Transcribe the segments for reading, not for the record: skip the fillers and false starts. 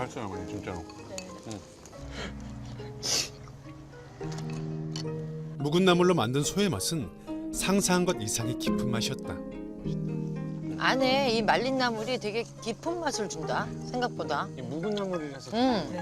맛있어요, 어머니, 진짜로. 묵은 나물로 만든 소의 맛은 상상한 것 이상의 깊은 맛이었다. 안에 이 말린 나물이 되게 깊은 맛을 준다. 생각보다. 이 묵은 나물이라서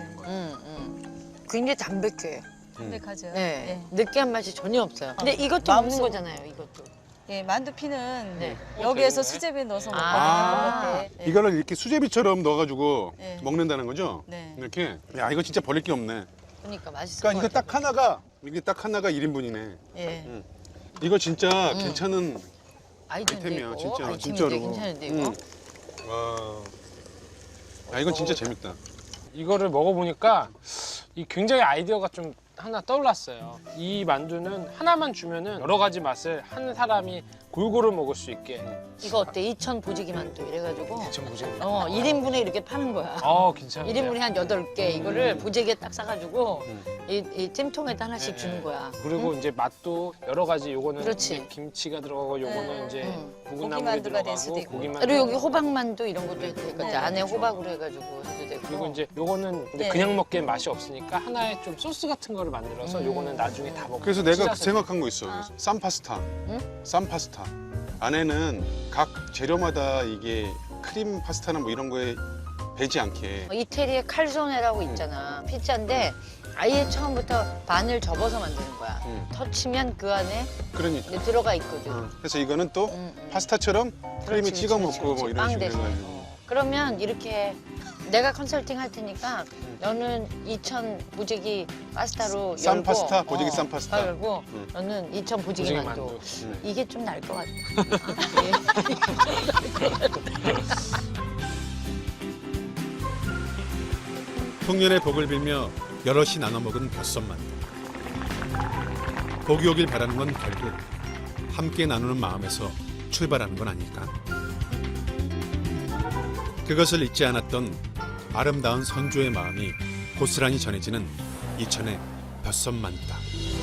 굉장히 담백해. 담백하죠. 네. 느끼한 맛이 전혀 없어요. 근데 이것도 마음속- 먹는 거잖아요. 이것도. 예, 만두피는 네. 여기에서 수제비에 넣어서 먹거든요. 아. 네. 이거를 이렇게 수제비처럼 넣어가지고 네. 먹는다는 거죠? 네. 이렇게. 야, 이거 진짜 버릴 게 없네. 그러니까 맛있을 그러니까 것 같아요. 이게 딱 하나가 1인분이네. 예. 이거 진짜 괜찮은 아이템인데 아이템이야, 이거. 진짜. 아이템인데 진짜로. 괜찮은데 이거. 와. 야, 이건 진짜 재밌다. 이거를 먹어보니까 이 굉장히 아이디어가 좀 하나 떠올랐어요. 이 만두는 하나만 주면은 여러 가지 맛을 한 사람이 골고루 먹을 수 있게. 이거 어때? 이천 보지기 만두 이래가지고. 좀 보세요. 1인분에 이렇게 파는 거야. 괜찮아요. 1인분에 한 8개 이거를 보재기에 딱 싸가지고 이 찜통에다 하나씩 네. 주는 거야. 그리고 이제 맛도 여러 가지. 요거는 그렇지. 이제 김치가 들어가고 요거는 이제 묵은 고기 나물이 만두가 될 들어가고 수도 있고. 고기만 그리고 여기 호박만두 이런 것도 해도 되거든. 네, 안에 그렇죠. 호박으로 해가지고 해도 되고. 그리고 이제 요거는 근데 네. 그냥 먹기엔 맛이 없으니까 하나의 좀 소스 같은 거를 만들어서 요거는 나중에 다 먹고. 그래서 내가 찢어서 생각한 거 있어. 쌈 파스타. 쌈 파스타. 안에는 각 재료마다 이게 크림 파스타나 뭐 이런 거에 배지 않게. 이태리의 칼조네라고 있잖아. 피자인데 아예 처음부터 반을 접어서 만드는 거야. 터치면 그 안에 그러니까. 이제 들어가 있거든. 그래서 이거는 또 파스타처럼 크림이 그렇지, 찍어 그렇지, 먹고 뭐 그렇지. 이런 빵 식으로 대신. 해가지고. 그러면 이렇게 내가 컨설팅 할 테니까 너는 2000 보재기 파스타로 쌈 열고, 파스타, 보재기 쌈 파스타. 열고 너는 2000 보재기 보재기 만두. 만두. 이게 좀 나을 것 같아. 풍년의 복을 빌며 여럿이 나눠 먹은 벼썸만두. 복이 오길 바라는 건 결국 함께 나누는 마음에서 출발하는 건 아닐까. 그것을 잊지 않았던 아름다운 선조의 마음이 고스란히 전해지는 이천의 벼썸만두다.